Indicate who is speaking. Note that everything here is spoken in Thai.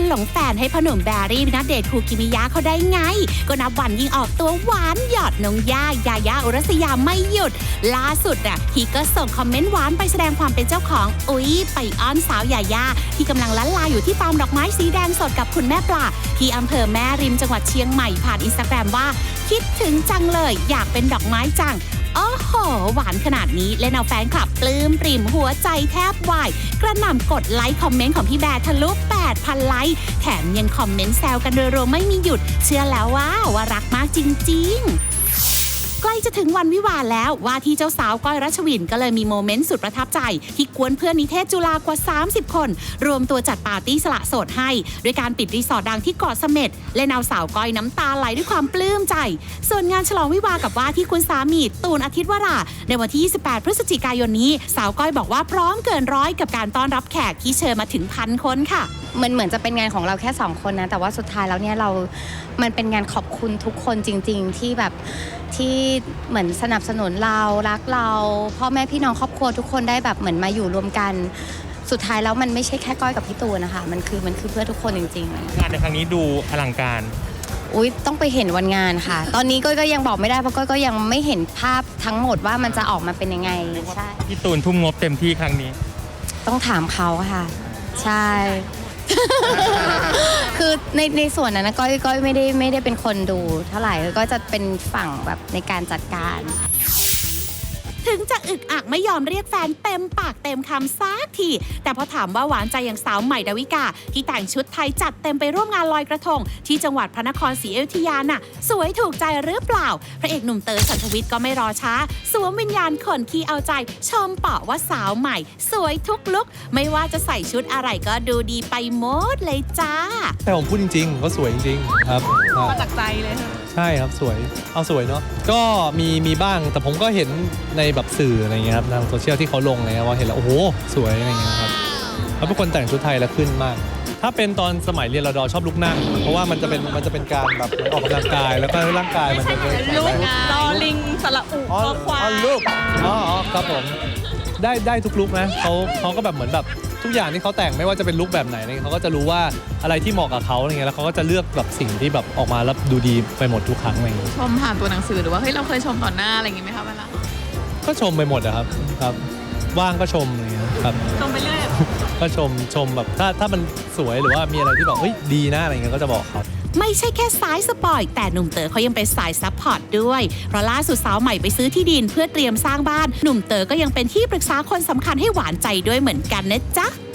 Speaker 1: หลงแฟนให้พ่อหนุ่มแบรี่ณเดชน์คูกิมิยะเขาได้ไงก็นับวันยิ่งออกตัวหวานหยอดน้องย่ายายาอุรัสยาไม่หยุดล่าสุดฮีก็ส่งคอมเมนต์หวานไปแสดงความเป็นเจ้าของไปอ้อนสาวยายาที่กำลังลันลาอยู่ที่ฟาร์มดอกไม้สีแดงสดกับคุณแม่ปลาที่อำเภอแม่ริมจังหวัดเชียงใหม่ผ่านอินสตาแกรมว่าคิดถึงจังเลยอยากเป็นดอกไม้จังโอ้โหหวานขนาดนี้เล่นเอาแฟนคลับปลื้มปริ่มหัวใจแทบวายกระหน่ำกดไลค์คอมเมนต์ของพี่แบร์ทะลุ 8,000 ไลค์แถมยังคอมเมนต์แซวกันรัวๆไม่มีหยุดเชื่อแล้วว่ารักมากจริงๆใกล้จะถึงวันวิวาห์แล้วว่าที่เจ้าสาวก้อยรัชวินก็เลยมีโมเมนต์สุดประทับใจที่กวนเพื่อนนิเทศจุฬากว่า30คนรวมตัวจัดปาร์ตี้สละโสดให้ด้วยการปิดรีสอร์ทดังที่เกาะเสม็ดเล่นเอาสาวก้อยน้ำตาไหลด้วยความปลื้มใจส่วนงานฉลองวิวาห์กับว่าที่คุณสามีตูนอาทิตย์วราในวันที่28พฤศจิกายนนี้สาวก้อยบอกว่าพร้อมเกินร้อยกับการต้อนรับแขกที่เชิญมาถึง1,000 คนค่ะ
Speaker 2: มันเหมือนจะเป็นงานของเราแค่2คนนะแต่ว่าสุดท้ายแล้วเนี่ยมันเป็นงานขอบคุณทุกคนจริงๆที่แบบที่เหมือนสนับสนุนเรารักเราพ่อแม่พี่น้องครอบครัวทุกคนได้แบบเหมือนมาอยู่รวมกันสุดท้ายแล้วมันไม่ใช่แค่ก้อยกับพี่ตูนนะคะมันคือเพื่อทุกคนจริงๆ
Speaker 3: งานในครั้งนี้ดูอลังการ
Speaker 2: ต้องไปเห็นวันงานค่ะตอนนี้ก้อยก็ยังบอกไม่ได้เพราะก้อยก็ยังไม่เห็นภาพทั้งหมดว่ามันจะออกมาเป็นยังไงใช่
Speaker 3: พี่ตูนทุ่มงบเต็มที่ครั้งนี้
Speaker 2: ต้องถามเขาค่ะใช่คือในส่วนนั้นนะก้อยไม่ได้เป็นคนดูเท่าไหร่ก็จะเป็นฝั่งแบบในการจัดการ
Speaker 1: ถึงจะอึกอักไม่ยอมเรียกแฟนเต็มปากเต็มคำซักทีแต่พอถามว่าหวานใจอย่างสาวใหม่ดาวิกาที่แต่งชุดไทยจัดเต็มไปร่วมงานลอยกระทงที่จังหวัดพระนครศรีอยุธยาน่ะสวยถูกใจหรือเปล่าพระเอกหนุ่มเต๋อฉันทวิทย์ก็ไม่รอช้าสวมวิญญาณคนขี้เอาใจชมเปาะว่าสาวใหม่สวยทุกลุคไม่ว่าจะใส่ชุดอะไรก็ดูดีไปหมดเลยจ้า
Speaker 4: แต่ผมพูดจริงๆก็สวยจริงๆครับ
Speaker 5: มาจากใจเลย
Speaker 4: ใช่ครับสวยเอาสวยเนาะก็มีบ้างแต่ผมก็เห็นในแบบสื่ออะไรเงี้ยครับทางโซเชียลที่เขาลงเลยว่าเห็นแล้วโอ้โหสวยอะไรเงี้ยครับเขาเป็นคนแต่งชุดไทยแล้วขึ้นมากถ้าเป็นตอนสมัยเรียนรด.ชอบลุกนั่งเพราะว่ามันจะเป็นการแบบออกกำลังกายแล้วก็ร่างกายมันจะเป็น
Speaker 5: ลุกรอลิงสระอุคอควาย
Speaker 4: ลุกครับผมได้ทุกลุกนะเขาก็แบบเหมือนแบบทุกอย่างที่เขาแต่งไม่ว่าจะเป็นลุคแบบไหนเขาก็จะรู้ว่าอะไรที่เหมาะกับเขาอะไรเงี้ยแล้วเขาก็จะเลือกแบบสิ่งที่แบบออกมาแล้วดูดีไปหมดทุกครั้งอะไรเงี้ย
Speaker 5: ชมผ่านตัวหนังสือหรือว่าเฮ้ยเราเคยชมต่อหน้าอะไรอย่างงี้ไหมคะเวลา
Speaker 4: ก็ชมไปหมดอะครับว่างก็ชมอะไรเงี้ยครับ
Speaker 5: ชมไปเรื่อย
Speaker 4: ก็ชมแบบถ้ามันสวยหรือว่ามีอะไรที่แบบเฮ้ยดีนะอะไรเงี้ยก็จะบอกครับ
Speaker 1: ไม่ใช่แค่สายสปอยแต่หนุ่มเต๋อเขายังเป็นสายซัพพอร์ตด้วยเพราะล่าสุดสาวใหม่ไปซื้อที่ดินเพื่อเตรียมสร้างบ้านหนุ่มเต๋อก็ยังเป็นที่ปรึกษาคนสำคัญให้หวานใจด้วยเหมือนกันนะจ๊ะ